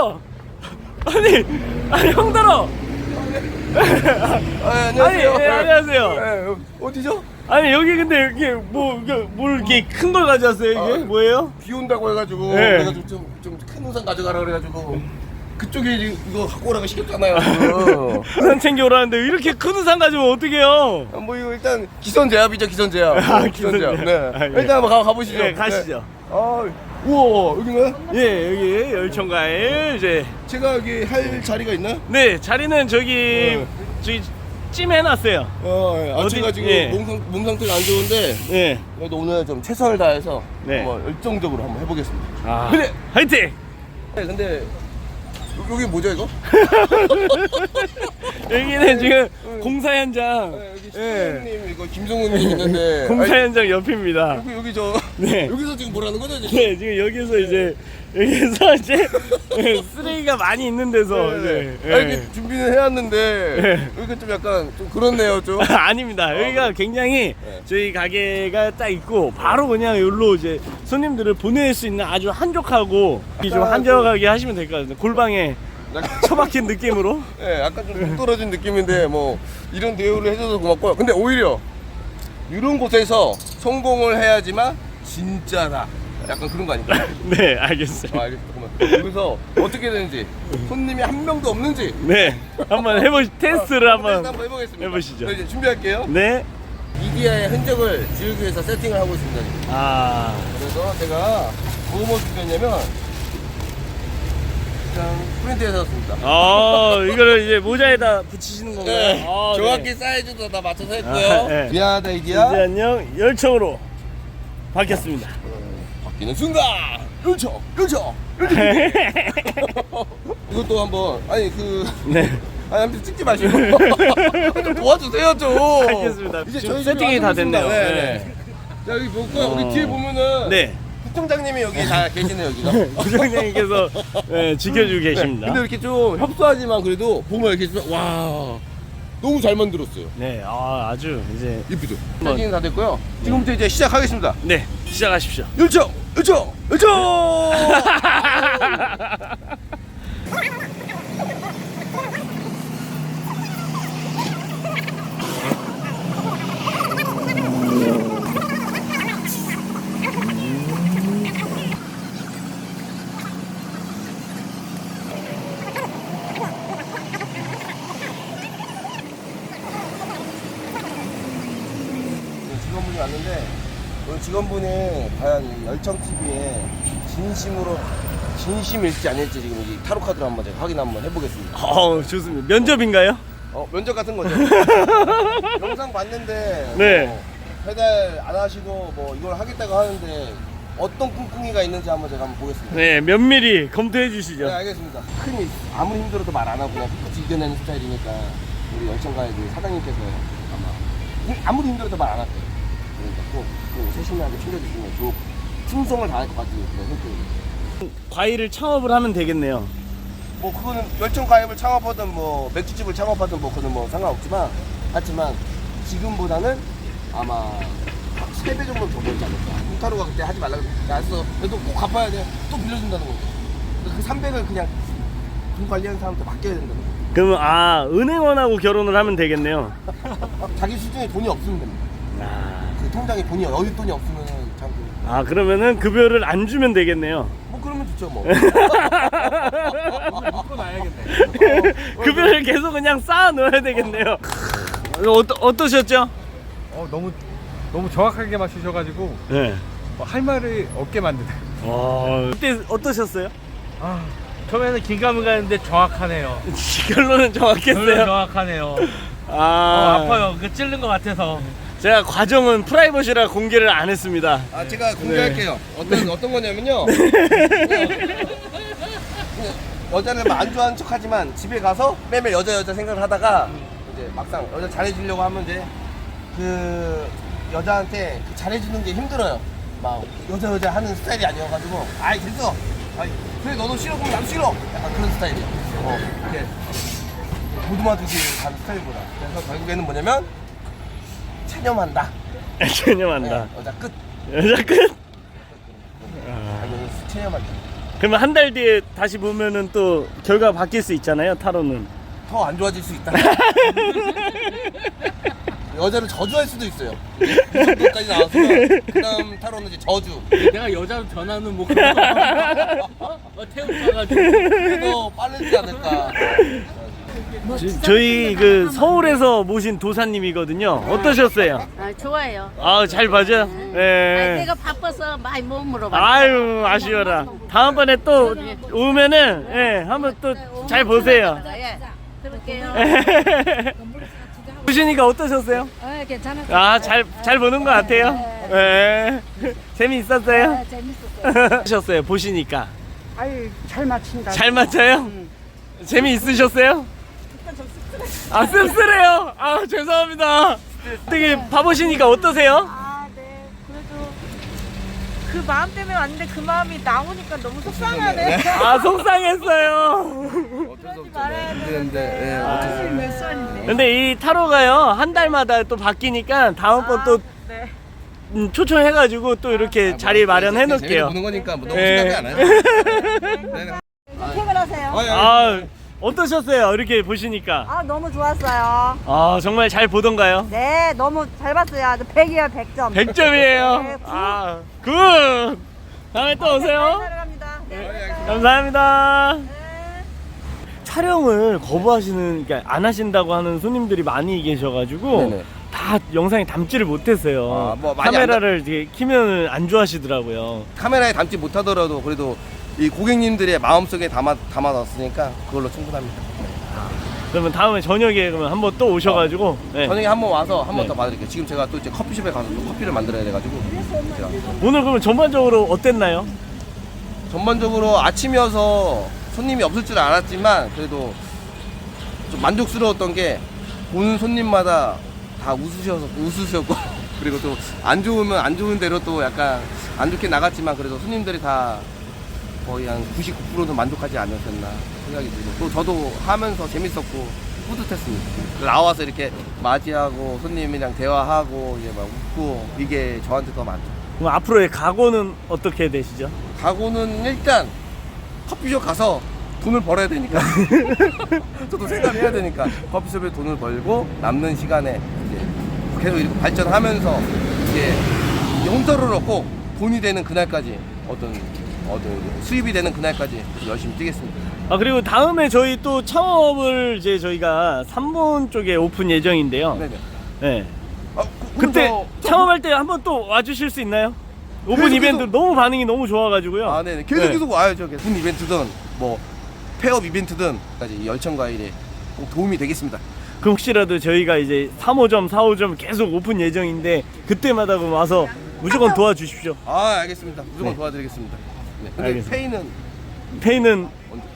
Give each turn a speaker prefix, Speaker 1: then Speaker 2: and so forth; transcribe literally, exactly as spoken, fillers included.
Speaker 1: 형들어. 아니 아니 형들어.
Speaker 2: 아, 안녕하세요.
Speaker 1: 아니 예, 안녕하세요.
Speaker 2: 예, 어디죠?
Speaker 1: 아니 여기 근데 이게 뭐 이게 뭘 이렇게 큰 걸 가져왔어요 이게
Speaker 2: 아,
Speaker 1: 뭐예요?
Speaker 2: 비 온다고 해가지고
Speaker 1: 네.
Speaker 2: 내가 좀좀 큰 우산 가져가라 그래가지고 그쪽에 이- 이거 갖고 오라고 시켰잖아요. 지금.
Speaker 1: 우산 챙겨오라는데 이렇게 큰 우산 가지면 어떡해요?
Speaker 2: 아, 뭐 이거 일단 기선제압이죠, 기선제압.
Speaker 1: 아,
Speaker 2: 어, 기선제압.
Speaker 1: 기선제압.
Speaker 2: 네.
Speaker 1: 아, 예.
Speaker 2: 일단 한번 가, 가보시죠.
Speaker 1: 네, 가시죠.
Speaker 2: 네. 아, 우와, 여기는
Speaker 1: 예 여기 열천과일 이제
Speaker 2: 제가 여기 할 자리가 있나요?
Speaker 1: 네 자리는 저기
Speaker 2: 네.
Speaker 1: 저기 찜해놨어요.
Speaker 2: 어, 예. 아,
Speaker 1: 어디-
Speaker 2: 제가 지금
Speaker 1: 예.
Speaker 2: 몸, 상, 몸 상태가 안 좋은데
Speaker 1: 네.
Speaker 2: 그래도 오늘 좀 최선을 다해서
Speaker 1: 네.
Speaker 2: 한번 열정적으로 한번 해보겠습니다.
Speaker 1: 아
Speaker 2: 근데
Speaker 1: 화이팅!
Speaker 2: 네, 근데 여- 여기 뭐죠 이거?
Speaker 1: 여기는 지금 공사 현장.
Speaker 2: 네, 여기
Speaker 1: 예.
Speaker 2: 시장님 이거 김성훈님 있는데
Speaker 1: 공사
Speaker 2: 아니,
Speaker 1: 현장 옆입니다.
Speaker 2: 여기 여기 저
Speaker 1: 네.
Speaker 2: 여기서 지금 뭐라는 거죠 지금?
Speaker 1: 네 지금 여기서 이제 여기서 이제 네, 쓰레기가 많이 있는 데서
Speaker 2: 네.
Speaker 1: 이제
Speaker 2: 아, 이렇게 준비는 해왔는데
Speaker 1: 네.
Speaker 2: 여기가 좀 약간 좀 그렇네요 좀.
Speaker 1: 아닙니다. 여기가
Speaker 2: 네.
Speaker 1: 굉장히
Speaker 2: 네.
Speaker 1: 저희 가게가 딱 있고 바로 그냥 여기로 이제 손님들을 보낼 수 있는 아주 한적하고 좀
Speaker 2: 약간
Speaker 1: 한적하게 하시면 될 것 같아요. 골방에
Speaker 2: 약간
Speaker 1: 처박힌 느낌으로.
Speaker 2: 네, 약간 좀 동떨어진 느낌인데 뭐 이런 대우를 해줘서 고맙고요. 근데 오히려 이런 곳에서 성공을 해야지만 진짜다. 약간 그런 거 아닐까요?
Speaker 1: 네 알겠어요.
Speaker 2: 아, 알겠습니다. 잠깐만. 여기서 어떻게 되는지 손님이 한 명도 없는지
Speaker 1: 네 한번 해보 테스트를
Speaker 2: 어,
Speaker 1: 한번.
Speaker 2: 테스트 한번 해보겠습니다.
Speaker 1: 해보시죠.
Speaker 2: 네, 이제 준비할게요.
Speaker 1: 네.
Speaker 2: 미디어의 흔적을 지우기 위해서 세팅을 하고 있습니다. 지금.
Speaker 1: 아
Speaker 2: 그래서 제가 뭐뭐 준비했냐면 그냥 프린트해서 샀습니다.
Speaker 1: 어, 이거를 이제 모자에다 붙이시는 건가요?
Speaker 2: 네,
Speaker 1: 아,
Speaker 2: 정확히
Speaker 1: 네.
Speaker 2: 사이즈도 다 맞춰서 했고요.
Speaker 1: 아, 네.
Speaker 2: 미안하다
Speaker 1: 이제
Speaker 2: 이디야.
Speaker 1: 안녕 열청으로 바뀌었습니다.
Speaker 2: 바뀌는 순간 열정, 열정, 열정. 이것도 한번 아니 그
Speaker 1: 네.
Speaker 2: 아니 아무튼 찍지 마시고 좀 도와주세요 좀.
Speaker 1: 알겠습니다. 지금
Speaker 2: 저희
Speaker 1: 세팅이
Speaker 2: 집에
Speaker 1: 다
Speaker 2: 와서
Speaker 1: 됐네요.
Speaker 2: 네.
Speaker 1: 네.
Speaker 2: 네. 자 여기 볼까요?
Speaker 1: 어.
Speaker 2: 여기 뒤에 보면은
Speaker 1: 네.
Speaker 2: 부총장님이 여기 다 계시네요 여기가.
Speaker 1: 부장님께서 네, 지켜주고 계십니다.
Speaker 2: 근데 이렇게 좀 협소하지만 그래도 보면 이렇게 좀, 와 너무 잘 만들었어요.
Speaker 1: 네, 아, 아주 이제
Speaker 2: 이쁘죠? 세팅이 다 됐고요. 지금부터 이제 시작하겠습니다.
Speaker 1: 네 시작하십시오.
Speaker 2: 열정, 열정, 열정. 직원분이 왔는데 오늘 직원분이 과연 이 열정티비에 진심으로 진심일지 아닐지 지금 이 타로 카드로 한번 제가 확인 한번 해보겠습니다.
Speaker 1: 어 좋습니다. 면접인가요?
Speaker 2: 어 면접 같은 거죠. 영상 봤는데
Speaker 1: 네.
Speaker 2: 뭐 배달 안 하시고 뭐 이걸 하겠다고 하는데 어떤 꿍꿍이가 있는지 한번 제가 한번 보겠습니다.
Speaker 1: 네 면밀히 검토해 주시죠.
Speaker 2: 네 알겠습니다. 큰일 아무리 힘들어도 말 안 하고 그냥 끝까지 이겨내는 스타일이니까 우리 열정가의 그 사장님께서 아마 이- 아무리 힘들어도 말 안 할게요. 그러니까 꼭, 꼭 세심하게 챙겨주시면 좋고 충성을 다할 것 같은 그런 성격입니다.
Speaker 1: 과일을 창업을 하면 되겠네요.
Speaker 2: 뭐 그거는 열정 가입을 창업하든 뭐 맥주집을 창업하든 뭐 그거는 뭐 상관없지만 하지만 지금보다는 아마 세 배 정도 더 벌지 않을까. 홍타로가 그때 하지 말라고 했어. 그래도 꼭 갚아야 돼. 또 빌려준다는 거죠. 그 삼백을 그냥 돈 관리하는 사람한테 맡겨야 된다는 거죠.
Speaker 1: 그러면 아 은행원하고 결혼을 하면 되겠네요.
Speaker 2: 자기 수중에 돈이 없으면 됩니다.
Speaker 1: 아,
Speaker 2: 그 통장에 돈이 여유 돈이 없으면 참. 그-
Speaker 1: 아 그러면은 급여를 안 주면 되겠네요.
Speaker 2: 뭐 그러면 좋죠 뭐.
Speaker 3: 먹고 나야겠네.
Speaker 1: 급여를 계속 그냥 쌓아 넣어야 되겠네요. 어떠, 어떠셨죠?
Speaker 3: 어 너무 너무 정확하게 맞추셔가지고
Speaker 1: 네.
Speaker 3: 어, 할 말이 없게 만드네요.
Speaker 1: 와, 그때 어떠셨어요?
Speaker 3: 아 처음에는 긴가민가 했는데 정확하네요.
Speaker 1: 결론은 정확했어요.
Speaker 3: 정확하네요.
Speaker 1: 아,
Speaker 3: 어, 아파요. 그 찔른 것 같아서.
Speaker 1: 제가 과정은 프라이버시라 공개를 안 했습니다.
Speaker 2: 아 제가 공개할게요. 어떤 어떤 거냐면요. 여자를 막 안 좋아하는 척하지만 집에 가서 매일 여자 여자 생각을 하다가 이제 막상 여자 잘해주려고 하면 이제 그 여자한테 그 잘해주는 게 힘들어요. 막 여자 여자 하는 스타일이 아니어가지고 아이 됐어. 아이 그래 너도 싫어 그럼 나도 싫어. 약간 그런 스타일이야. 어 이렇게 보듬어주기 가는 스타일보다. 그래서 결국에는 뭐냐면 체념한다.
Speaker 1: 개념한다.
Speaker 2: 네, 여자 끝.
Speaker 1: 여자 끝.
Speaker 2: 아, 이거 체념한다.
Speaker 1: 그러면 한 달 뒤에 다시 보면은 또 결과가 바뀔 수 있잖아요, 타로는.
Speaker 2: 더 안 좋아질 수 있다. 여자를 저주할 수도 있어요. 이 정도까지 나왔으면 그다음 타로는 이제 저주.
Speaker 4: 내가 여자로 변하는 뭐 그런 거 어? 어, 태우쳐가지고
Speaker 2: 그래도 빠르지 않을까.
Speaker 1: 저- 저희 그 서울에서 모신 도사님이거든요. 어떠셨어요?
Speaker 5: 아, 좋아요.
Speaker 1: 아, 잘 봐줘요.
Speaker 5: 아니,
Speaker 1: 네.
Speaker 5: 내가 바빠서 많이 못 물어봤어.
Speaker 1: 아유, 아쉬워라. 다음번에 또 오면은 예, 한번 또 잘 보세요.
Speaker 5: 예, 그럴게요.
Speaker 1: 보시니까 어떠셨어요?
Speaker 6: 어, 괜찮았어요.
Speaker 1: 아, 잘, 잘 보는 것 같아요. 예. 재미있었어요?
Speaker 6: 재밌었어요.
Speaker 1: 어떠셨어요? 보시니까.
Speaker 6: 아유, 잘 맞춘다.
Speaker 1: 잘 맞아요? 재미있으셨어요? 아, 씁쓸해요? 아, 죄송합니다. 되게 봐보시니까 어떠세요?
Speaker 7: 아, 네. 그래도 그 마음 때문에 왔는데 그 마음이 나오니까 너무 속상하네.
Speaker 1: 아, 속상했어요.
Speaker 2: 어쩔 수
Speaker 7: 말아야
Speaker 2: 되는데. 예, 어쩔 수
Speaker 7: 사실 몇 살인데.
Speaker 1: 근데 이 타로가요, 한 달마다 또 바뀌니까 다음번 또
Speaker 7: 네.
Speaker 1: 음, 초청해가지고 또 이렇게 자리 마련해 놓을게요.
Speaker 2: 보는 거니까 뭐 너무
Speaker 1: 예.
Speaker 2: 생각이 안 해요. 네.
Speaker 7: 퇴근하세요.
Speaker 2: 아, 예.
Speaker 1: 아, 어떠셨어요? 이렇게 보시니까.
Speaker 7: 아, 너무 좋았어요.
Speaker 1: 아, 정말 잘 보던가요?
Speaker 7: 네, 너무 잘 봤어요. 아주 백이야, 백 점.
Speaker 1: 백 점이에요.
Speaker 7: 네, 굿.
Speaker 1: 아, 굿. 다음에 또 오세요.
Speaker 7: 사랑합니다. 네.
Speaker 1: 감사합니다.
Speaker 7: 네.
Speaker 1: 촬영을 거부하시는, 그러니까 안 하신다고 하는 손님들이 많이 계셔가지고
Speaker 2: 네네.
Speaker 1: 다 영상에 담지를 못했어요.
Speaker 2: 아, 뭐 많이
Speaker 1: 카메라를 이렇게 키면 안 좋아하시더라고요.
Speaker 2: 카메라에 담지 못하더라도 그래도 이 고객님들의 마음속에 담아 담아놨으니까 그걸로 충분합니다.
Speaker 1: 그러면 다음에 저녁에 그러면 한번 또 오셔가지고 네.
Speaker 2: 저녁에 한번 와서 한 번
Speaker 1: 네.
Speaker 2: 더 봐드릴게요. 지금 제가 또 이제 커피숍에 가서 또 커피를 만들어야 돼가지고 제가
Speaker 1: 오늘 그러면 전반적으로 어땠나요?
Speaker 2: 전반적으로 아침이어서 손님이 없을 줄 알았지만 그래도 좀 만족스러웠던 게 보는 손님마다 다 웃으셔서 웃으셨고 그리고 또 안 좋으면 안 좋은 대로 또 약간 안 좋게 나갔지만 그래도 손님들이 다 거의 한 구십구 퍼센트는 만족하지 않으셨나 생각이 들고 또 저도 하면서 재밌었고 뿌듯했습니다. 나와서 이렇게 맞이하고 손님이랑 대화하고 이제 막 웃고 이게 저한테 더 많죠.
Speaker 1: 그럼 앞으로의 각오는 어떻게 되시죠?
Speaker 2: 각오는 일단 커피숍 가서 돈을 벌어야 되니까 저도 생각을 해야 되니까 커피숍에 돈을 벌고 남는 시간에 이제 계속 이렇게 발전하면서 이제 용서를 얻고 돈이 되는 그날까지 어떤 어떤 수입이 되는 그날까지 열심히 뛰겠습니다.
Speaker 1: 아, 그리고 다음에 저희 또 창업을 이제 저희가 삼본 쪽에 오픈 예정인데요.
Speaker 2: 네네.
Speaker 1: 네.
Speaker 2: 아, 그,
Speaker 1: 그때
Speaker 2: 그럼 저-
Speaker 1: 창업할 때 한번 또 와주실 수 있나요? 오픈
Speaker 2: 계속,
Speaker 1: 이벤트
Speaker 2: 계속.
Speaker 1: 너무 반응이 너무 좋아가지고요.
Speaker 2: 아, 네네. 계속
Speaker 1: 네.
Speaker 2: 계속 와야죠. 계속. 군 이벤트든 뭐 폐업 이벤트든 까지 열천과일에 꼭 도움이 되겠습니다.
Speaker 1: 그럼 혹시라도 저희가 이제 삼 호점, 사 호점 계속 오픈 예정인데 그때마다 그럼 와서 무조건 도와주십시오.
Speaker 2: 아, 알겠습니다. 무조건
Speaker 1: 네.
Speaker 2: 도와드리겠습니다. 네. 근데
Speaker 1: 알겠습니다.
Speaker 2: 페이는
Speaker 1: 페이는
Speaker 2: 언제?